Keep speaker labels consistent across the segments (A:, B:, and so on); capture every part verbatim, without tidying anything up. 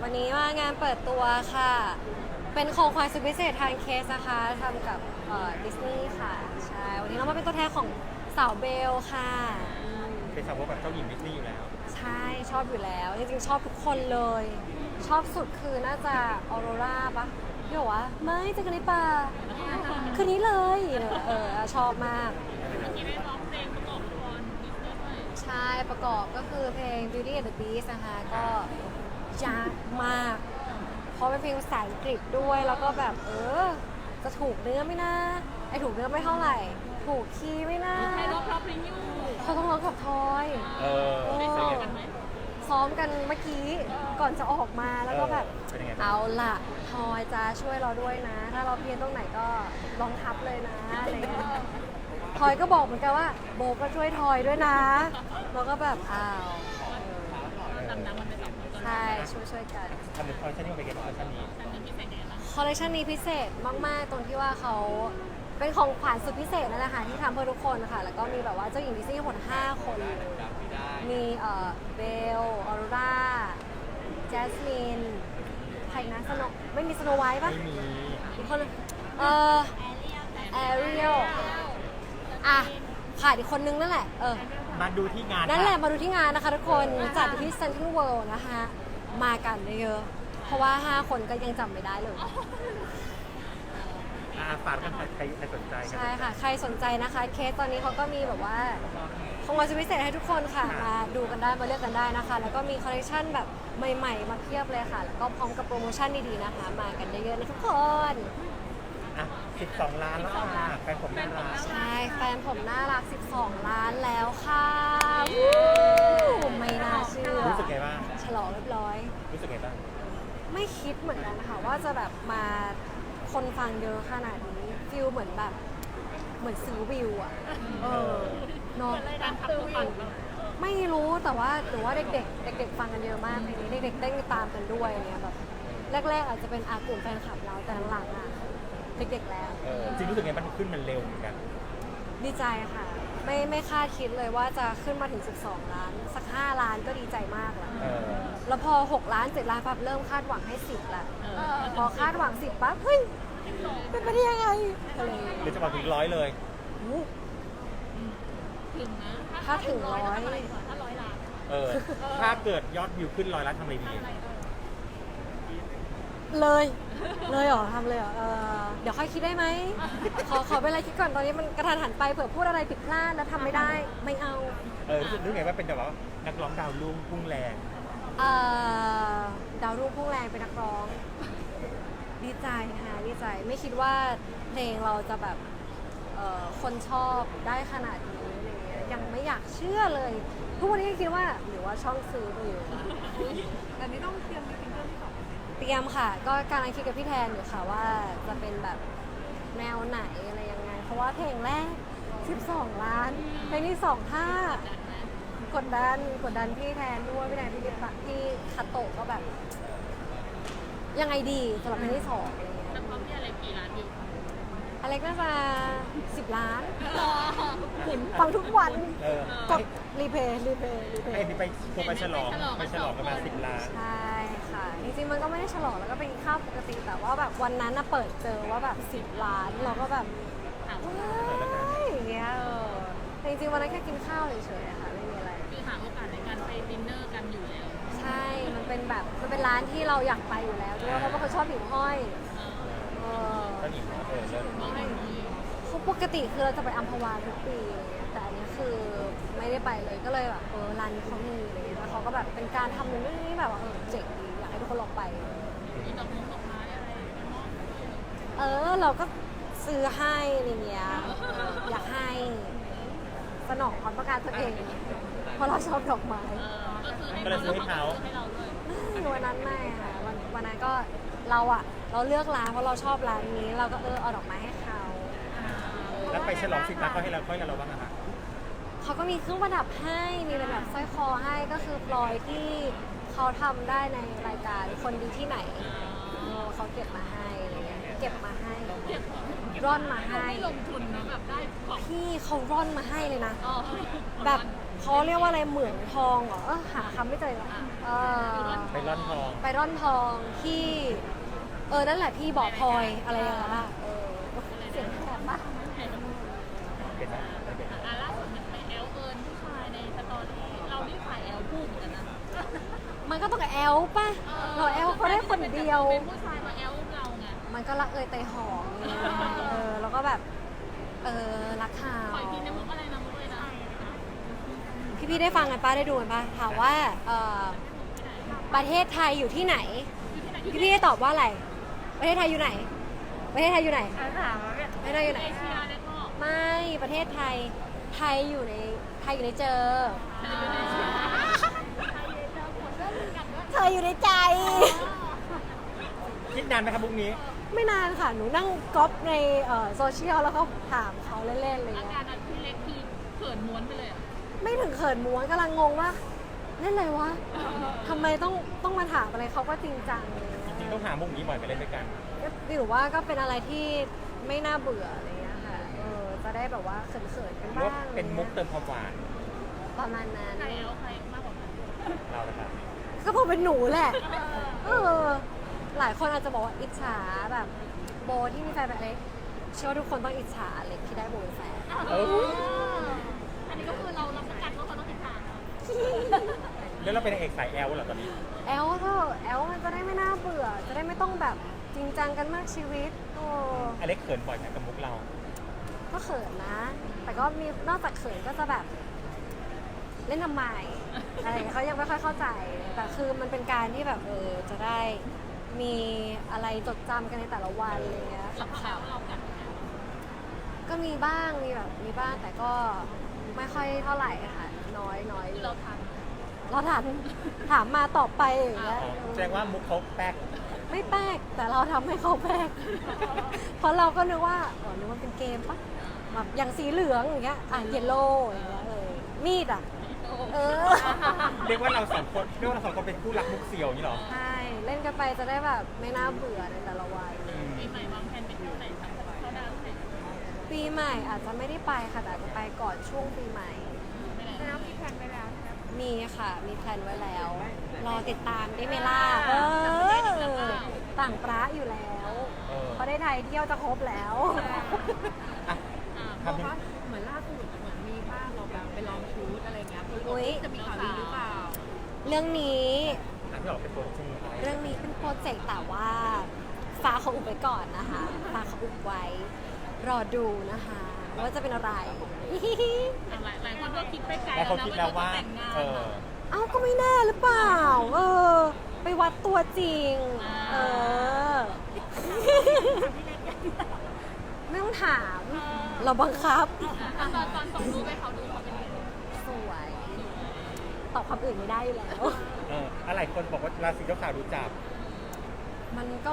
A: วันนี้มางานเปิดตัวค่ะ เป็นของขวัญสุดพิเศษทางเคสนะคะทำกับดิสนีย์ค่ะ ใช่ วันนี้เรามาเป็นตัวแทนของสาวเบลค่ะ
B: เป็นสาวกแบบเจ้าหญิงดิสนีย์อยู่แล้ว
A: ใช่ชอบอยู่แล้ว จริงๆ ชอบทุกคนเลย ชอบสุดคือน่าจะออโรราปะพี่บอกว่าไม่เจอกันในป่าคืนนี้เลยเออชอบมาก ใช่ประกอบก็คือเพลง Beauty and the Beast นะคะก็ยากมาก เพราะเป็นเพลงภาษาอังกฤษด้วยแล้วก็แบบเออจะถูกเนื้อไหม่นะไอถูกเนื้อไม่เท่าไหร่ ถูกคีย์ไหม่นะ
C: ใครร้องเพราะเพลงอยู่
A: เขาต้องร้องกับทอย
B: เออ
A: โอ้
B: เป็นยังไงบ้าง
A: ซ้อมกันเมื่อกี้ก่อนจะออกมาแล้วก็แบบ
B: เป็นยังไงบ้าง
A: เอาล่ะทอยจะช่วยเราด้วยนะ ถ้าเราเพี้ยนตรงไหนก็ลองทับเลยนะอะไรเงี้ยทอยก็บอกเหมือนกันว่าโบก็ช่วยทอยด้วยนะเราก็แบบอ้าว
C: ดำน้ำมันไปสองคน
A: ใช่ช่วยช่วยกัน
B: ทำเป็นคอลเลคชันนี้เป็นไงบ้างคอลเลคชันนี้
C: แต่นี่พิเศษไงล่ะ
A: คอลเลคชันนี้พิเศษมาก ๆ ตรงที่ว่าเขาเป็นของขวัญสุดพิเศษนั่นแหละค่ะที่ทำเพื่อทุกคนค่ะแล้วก็มีแบบว่าเจ้าหญิงดิสนีย์ทั้งหมดห้าคนเลยมีเอ่อเบลออโรราแจสมินใครนะสโนไม่มีสโนไวท์ปะ
B: ไม่มี
A: อีกคนนึงเออแอเรียลอ่ะขาดอีกคนนึงนั่นแหละเออ
B: มาดูที่งาน
A: นั่นแหละ
B: ค่
A: มาดูที่งานนะคะทุกคนจัดที่เซ็นทรัลเวิลด์นะคะมากันเยอะๆเพราะว่าห้าคนก็ยังจำไม่ได้เลย
B: อ่าฝากกันใครใครสนใจ
A: ใช่ค่ะ ใครสนใจนะคะ เคสตอนนี้เขาก็มีแบบว่าของเราจะพิเศษให้ทุกคนค่ะ มาดูกันได้ มาเลือกกันได้นะคะ แล้วก็มีคอลเลคชันแบบใหม่ๆ มาเพียบเลยค่ะ แล้วก็พร้อมกับโปรโมชั่นดีๆนะคะ มากันเยอะๆนะทุกคน
B: อ่ะสิบสองล้านแล้วอ่ะแฟนผมน่ารัก
A: ใช่ แฟนผมน่ารัก สิบสอง ล้านแล้วค่ะวู้ไม่น่าเชื่อ
B: รู้สึกไงบ้าง
A: ฉลองเรียบร้อย
B: รู้สึกไงบ้าง
A: ไม่คิดเหมือนกันค่ะว่าจะแบบมาคนฟังเยอะขนาดนี้ฟิลเหมือนแบบเหมือนซื้อวิวอะเออเนาะ
C: การทำตัวปั่น
A: ไม่รู้แต่ว่าหรือว่าเด็กๆ เด็กๆฟังกันเยอะมากเพลงนี้เด็กๆเต้นตามกันด้วยเนี่ยแบบแรกๆอาจจะเป็นอากลุ่มแฟนคลับเราแต่หลังๆอะเด็กๆแล้ว
B: เออจริงรู้สึกไงมันขึ้นมันเร็วเหมือนกัน
A: ดีใจค่ะ ไม่ไม่คาดคิดเลยว่าจะขึ้นมาถึง สิบสอง ล้าน สัก ห้า ล้านก็ดีใจมากแล้ว
B: เออ
A: แล้วพอ หก ล้าน เจ็ด ล้านปั๊บเริ่มคาดหวังให้ สิบละพอคาดหวัง สิบ ปั๊บเฮ้ยเป็นไปได้ยังไงอะไรอย่างเงี้ย
B: หรือจะมาถึงร้อยเลย
A: โอ้
C: ถึงนะ
A: ถ้าถึงร้อย
C: ถ้าร้อยล้าน
B: เออ ถ้าเกิดยอดวิวขึ้นร้อยล้านทำอะไรดี
A: เลย เลยเหรอทำเลยเหรอเออเดี๋ยวค่อยคิดได้ไหม ขอขอเวลาคิดก่อนตอนนี้มันกระทันหันไปเผื่อพูดอะไรผิดพลาดแล้วทำไม่ได้ไม่เอา
B: เออรู้สึกรู้สึกไงว่าเป็นแบบว่านักร้องดาวรุ่งพุ่งแรง
A: เอ่อดาวรุ่งพุ่งแรงเป็นนักร้อง ดีใจค่ะดีใจไม่คิดว่าเพลงเราจะแบบเอ่อคนชอบได้ขนาดนี้อะไรเงี้ยยังไม่อยากเชื่อเลย ทุกวันนี้ยังคิดว่าหรือว่าช่องซื้อไปอยู่
C: แต่นี่ต้องเตรียมมีซิงเกิลที่สอง
A: เตรียมค่ะ ก็กำลังคิดกับพี่แทนอยู่ค่ะว่าจะเป็นแบบแนวไหนอะไรยังไง เพราะว่าเพลงแรก สิบสอง ล้านเพลงที่สองท่ากดดันกดดันพี่แทนด้วยพี่แทนพี่ดิปะพี่คาโตะก็แบบ ยังไงดีสำหรับเพลงที่สองอะไรเงี้ย
C: แล้วพร้อมที่อะไรกี่ล้านอยู่
A: อเล็กน่าจะสิบล้าน
C: รอ
A: ฟังทุกวัน
B: เออก
A: ดรีเพย์รีเพย์รีเพ
B: ให้
A: ย์
B: นี่ไปทัวร์ไปฉลองไปฉลองกันมาสิบล้าน
A: ใช่ค่ะ จริงๆมันก็ไม่ได้ฉลองแล้วก็เป็นข้าวปกติแต่ว่าแบบวันนั้นน่ะเปิดเจอว่าแบบสิบล้านเราก็แบบ
C: ถาม
A: ว้ายอย่างเงี้ยเออแต่จริงๆวันนั้นแค่กินข้าวเฉยๆอะค่ะไม่มีอะไร
C: คือหาโอกาสในการไปดินเนอร์กันอยู่แล้ว
A: ใช่ มันเป็นแบบมันเป็นร้านที่เราอยากไปอยู่แล้วด้วยเพราะว่าเขาชอบหิ่งห้อยเออ
B: ก็หนีเออเลิศ
C: มองให้ดี
A: เขาปกติคือเราจะไปอัมพวาทุกปีอะไรเงี้ยแต่อันนี้คือไม่ได้ไปเลยก็เลยแบบเออร้านนี้เขามีอะไรเงี้ยแล้วเขาก็แบบเป็นการทำนู่นนี่แบบว่าเออเจ๋งดีอยากให้ทุกคนลองไป
C: มีดอกมงดอกไม้อะไรมอบ
A: เออเราก็ซื้อให้อะไรเงี้ยอยากให้สนองความต้องการตัวเอง เพราะเราชอบดอกไม้
C: ก็คือให้
B: ก็เลยซื้อให้เขา
C: ให้เราด้วย
A: ไม่วันนั้นไม่ค่ะวันวันนั้นก็เราอะเราเลือกร้านเพราะเราชอบร้านนี้ เราก็เออเอาดอกไม้ให้เขา
B: แล้วไปฉลองสิบล้านเขาให้เราค่อยเราบ้างอะคะ
A: เขาก็มีเครื่องประดับให้มีเป็นแบบสร้อยคอให้ก็คือพลอยที่เขาทำได้ในรายการคนดีที่ไหนเออเขาเก็บมาให้อะไรเงี้ยเก็บมาให้ร่อนมาให้
C: ไม่ลงทุนนะแบบได้ของ
A: พี่เขาร่อนมาให้เลยนะ
C: อ๋อ
A: แบบเขาเรียกว่าอะไรเหมืองทองเหรอเออหาคำไม่เจอละเออ
B: ไปร่อนทอง
A: ไปร่อนทองที่เออนั่นแหละที่บ่อพลอยอะไรอย่างเงี้ยล่ะเออเสียงแหบปะ
B: เป็นไหมไม่เป็น
C: อ่ะล่าสุดมันไปแอลเอิญผู้ชายในสตอรี่เรานี่ฝ่ายแอลพูดเหมือนกันนะ
A: มันก็ต้องแอลป่ะเราแอลเขาได้คนเดียว
C: เป็นผู้ชายมาแอลเราไง
A: มันก็รักเอยเตยหอมไงเออแล้วก็แบบเออรักเขา
C: ปล่อยทีในมุกอะไรนะมุกเลยนะ
A: พี่พี่ๆได้ฟังกันป้าได้ดูกันป้าถามว่าเออประเทศไทยอยู่ที่ไหน พี่พี่ๆได้ตอบว่าอะไร ประเทศไทยอยู่ไหน ประเทศไทยอยู่ไหน
C: ถามว่าเนี่ย
A: ประเทศไทยอยู่ไหน
C: เอเชียเนี่ยก็
A: ไม่ประเทศไทยไทยอยู่ในไทยอยู่ในเจอ
C: อยู่ในเอเชีย
A: เธออยู่ในใจ
B: คิดนานไหมครับมุกนี้
A: ไม่นานค่ะ หนูนั่งก๊อปในเอ่อโซเชียลแล้วก็ถามเขาเล่นๆอะไร
C: อา
A: เงี้
C: การ
A: ย
C: นั้นพี่เล็กคือเขินม้วนไปเลยอ่ะ
A: ไม่ถึงเขินม้วนกำลังงงว่าเล่นอะไรวะทำไมต้องต้องมาถามอะไรเขาก็จริงจังเลย
B: จริงๆต้องหามุกนี้บ่อยไปเล่นด้วยกัน
A: ก็หรือว่าก็เป็นอะไรที่ไม่น่าเบื่ออะไรเงี้ยค่ะเออจะได้แบบว่าเขินๆกัน
B: หรือ
A: บ้า
B: ว่าง เป็นมุกเติมความหวาน
A: ประมาณนั้น
C: ใครแอลใครมากกว่ากัน
B: เราละครับ
A: ก็พอเป็นหนูแหละเออหลายคนอาจจะบอกว่าอิจฉาแบบโบที่มีแฟนแบบเล็กเชื่อว่าทุกคนต้องอิจฉาเล็กที่ได้โบเป็นแฟน
B: เออ
C: อันนี้ก็คือเรารับประกันว่าเขาต้องติดตาม
B: แล้วเราเป็นนางเอกสายแอลเหรอตอนนี้
A: แอลเถอะแอลมันจะได้ไม่น่าเบื่อ จะได้ไม่ต้องแบบจริงจังกันมากชีวิตโอ้
B: อเล็กเขินบ่อยไหมกับมุกเรา
A: ก็เขินนะ แต่ก็มีนอกจากเขินก็จะแบบ เล่นทำไมอะไรอย่างเงี้ยเขายังไม่ค่อยเข้าใจ แต่คือมันเป็นการที่แบบเออจะได้มีอะไรจดจำกันในแต่ละวันอะไรเงี้ย
C: เราเขาเรากัน
A: ก็มีบ้างมีแบบมีบ้างแต่ก็ไม่ค่อยเท่าไหร่ค่ะ น้อยน้อย
C: คือเราท
A: เราถามถามมาตอบไปอย่างเงี้ย
B: อ๋อแสดงว่ามุกเขาแป๊ก
A: ไม่แปลกแต่เราทำให้เขาแปลก เพราะเราก็นึกว่าอ๋อนึกว่าเป็นเกมปะแบบอย่างสีเหลืองอย่างเงี้ยอ่ะเยลโล่อย่างเงี้ยเออมีดอ่ะ
C: ำ
A: เออ
B: เรียกว่าเราสองคนเรียกว่าเราสองคนเป็นคู่รักมุกเสี่ยวอย่างนี้เหรอ
A: ใช่เล่นกันไปจะได้แบบไม่น่าเบื่อในแต่ละวัน
B: อืม
C: ปีใหม่วางแผนไปเที่ยวไหนคะเขาดาวน์ไหน
A: ปีใหม่อาจจะไม่ได้ไปค่ะแต่อาจจะไปก่อนช่วงปีใหม่
C: ไม่ได้แล้วมีแผนไปแล้วใช่ไหม
A: มีค่ะ มีแพลนไว้แล้ว รอติดตามได้ไหมล่ะเออต่างประอยู่แล้ว
B: เออ
A: เพราะได้ไทยเที่ยวจะครบแล้ว
B: อ่ะ
C: อ่า
B: ทำให้
C: เหมือนล่าสุดเหมือนมีภาพเราแบบไปลองชุดอะไรเงี้ยคือ
A: อุ๊ย
C: จะมีข่าวดีหรือเปล่า
A: เรื่องนี้
B: อ่ะพี่ออกเป็นตัวจริงไหม
A: เรื่องนี้เป็นโปรเจกต์แต่ว่าฟ้าเขาอุบไว้ก่อนนะคะฟ้าเขาอุบไว้ รอดูนะคะว่าจะเป็นอะไร
C: หลายหลายคนก็คิดไปไกล
B: แล้วเขาคิดแล้วว่า
C: แต่งงาน
B: เออ
A: เอ้าก็ไม่แน่หรือเปล่า เออ ไปวัดตัวจริง เออ ไม่ต้องถาม เราบังคับ
C: ตอนตอนตอนส่งรูปให้เขาดูเขาเป็นยังไง
A: สวย ตอบคำอื่นไม่ได้อยู่แล้ว
B: เอออะไรคนบอกว่าราศีเจ้าขาวดูจับ
A: มันก็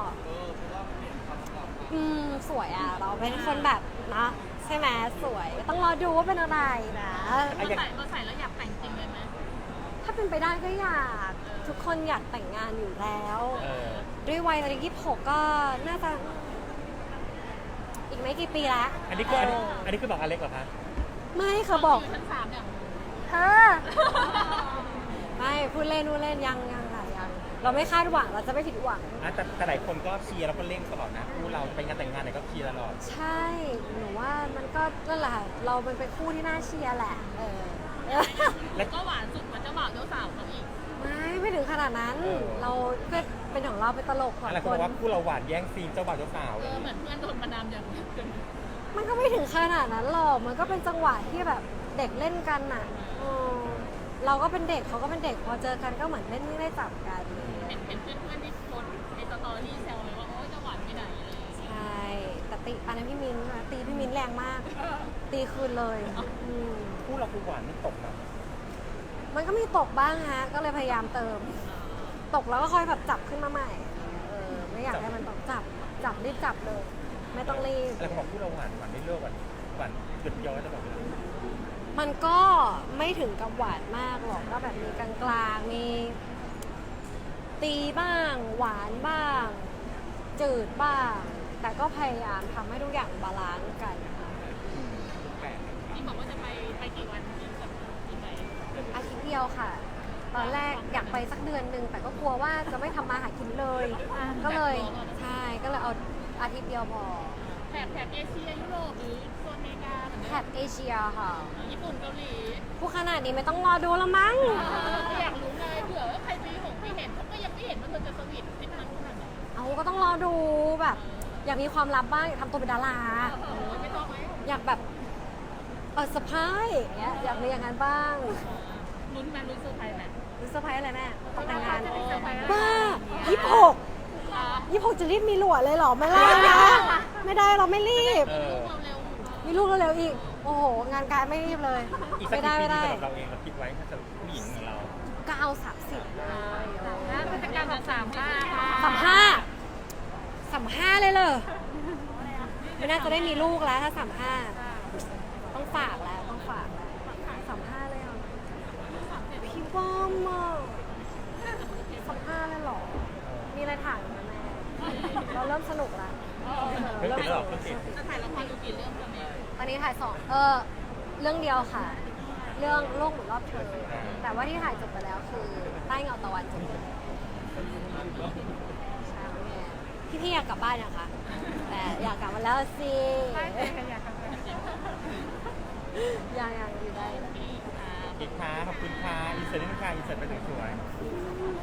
A: อืม สวยอ่ะ เราเป็นคนแบบนะใช่ไหมสวย ต้องรอดูว่าเป็นอะไรนะ
C: เราใส่เราใส่แล้วอยากแต่งจริงเลยไหม
A: ถ้าเป็นไปได้ก็อยาก ทุกคนอยากแต่งงานอยู่แล้ว
B: เออ
A: ด้วยวัยตอนนี้ยี่สิบหกก็น่าจะ อีกไม่กี่ปีละ
B: อันนี้คืออันนี้
A: เออ
B: อันนี้คือบอกอเล็กเหรอคะ
A: ไม่ค่ะบอก
C: ยู่ชั้นสามเนี่ย
A: เธอ ไม่พูดเล่นพูดเล่นยังยังค่ะยังเราไม่คาดหวังเราจะไม่ผิดหวัง
B: อ่ะแต่แต่หลายคนก็เชียร์แล้วก็เร่งตลอดนะคู่เราไปงานแต่งงานไหนก็เชียร์ตลอด
A: ใช่หนูว่ามันก็นั่นแหละค่ะเรามันเป็นคู่ที่น่าเชียร์แหละ เออ
C: แล้วก็หวานสุดกว่าเจ้าบ่าวเจ้าสาวเขาอีก
A: ไม่ไม่ถึงขนาดนั้น
B: เออ
A: เราก็เป็นของเราเป็นตลกของ
B: อะไร
A: ค
B: คนบ
A: น
B: อกว่าคู่เราหวานแย่งซีนเจ้าบ่าวเจ้าสาว
C: เอ
B: เลย
C: อเหมือนเพื่อนโดนประนามอย่างเกิน
A: มันก็ไม่ถึงขนาดนั้นหรอกมันก็เป็นจังหวะที่แบบเด็กเล่นกันน่ะเออเราก็เป็นเด็กเขาก็เป็นเด็กพอเจอกันก็เหมือนเล่นไม่ได้จับกัน
C: เห็นเห็นเพื่อนเพื่อนๆที่โพสต์ในสตอรี่แซวเลยว่าโอ๊ยจะหวานไปไหนอะไรอย่างเลย
A: ใช่แต่ตีอันนั้นพี่มินนะตีพี่มินแรงมาก ตีคืนเลยอืม
B: คู่เราคือหวานไม่ตกนะ
A: มันก็มีตกบ้างฮะ ก็เลยพยายามเติม ตกแล้วก็ค่อยแบบจับขึ้นมาใหม่ เออ ไม่อยากให้มันตกจับ จับรีบจับเลย ไม่ต้องรีบ
B: อะไรคนบอกคู่เราหวานหวานไม่เลิกหวานหวานหยุดย้อยตลอดเลย
A: มันก็ไม่ถึงกับหวานมากหรอก ก็แบบมีกลางๆ มี ตีบ้าง หวานบ้าง จืดบ้าง แต่ก็พยายามทำให้ทุกอย่างบาลานซ์กันค่ะ
B: แปลก
C: ที่บอกว่าจะไปไปกี่วันที่กับที่ไป
A: อาทิตย์เดียวค่ะ ตอนแรกอยากไปสักเดือนหนึ่งแต่ก็กลัวว่าจะไม่ทำมาหากินเลย ก็เลยใช่ก็เลยเอาอาทิตย์เดียวพอ
C: แถบแถบเอเชียยุโรปหรือโซนอเมริกาเหมือน
A: แถ
C: กัน
A: บเอเชียค่ะ
C: ญี่ปุ่นเกาหลี
A: ผู้ขนาดนี้ไม่ต้องรอดูแล้วมั้ง
C: ก็อยากรู้ไงเผื่อว่าใครไปหงไปเห็นเขาก็ยังไม่เห็นว่าเธอจะสวีททริปนั้นขนาดไหน
A: เอาก็ต้องรอดูแบบ อยากมีความลับบ้างอยากทำตัวเป็นดารา
C: โอ้โหไม่ต้องไหม
A: อยากแบบเออสะพายอย่างเงี้ยอยากมีอย่างนั้นบ้าง
C: ลุ้นไหมลุ้นเซอร์ไพรส์ไหม
A: หรือเซอร์ไพรส์อะไรแม่ตอนแต่งงาน
C: จะเป็นเซอร์ไพรส์อะไร
A: บ้ายี่สิบหก
C: อ่ะ
A: ยี่สิบหกจะรีบมีหลวดเลยเหรอไม่ได้นะ ไม่ได้เราไม่รีบ
B: เออ
C: เร็ว
A: มีลูกเร็วๆอีก โอ้โห งานการไม่รีบเลย
B: อีกสัก
A: ไม่
B: กี่
A: ได้
B: ปี
A: ไม่ได้
B: สำหรับเราเองเราคิดไว้ถ้าเกิดผู้หญิงของเรา
A: เก้าสามสิบ
C: ๆน่าจะการแบบสามห้าค่ะ
A: สามห้าสามห้าเลยเหรอไม่น่าจะได้มีลูกแล้วถ้าสามห้าต้องฝากแล้วต้องฝากแล้วสามห้าเลยเหรอพี่บอมอ่ะสามห้าเลยเหรอ มีอะไรถามไหมแม่เราเริ่มสนุกแล้ว
B: เพิ่งติดแล้วเหรอเพิ่งติด
C: จะถ่ายละครอยู่กี่เรื่องตอนนี้
A: ตอนนี้ถ่ายสองเออเรื่องเดียวค่ะ เรื่องโลกหมุนรอบเธอ แต่ว่าที่ถ่ายจบไปแล้วคือใต้เงาตะวันจบเลยใช่แม่พี่ๆอยากกลับบ้านยังคะแต่อยากกลับมาแล้วสิ
C: อยากทำอะไร
A: ยังยังอยู่ได้
B: อีกค่ะขอบคุณค่ะอีเสร็จนี่ค่ะอีเสร็จไปสวยๆ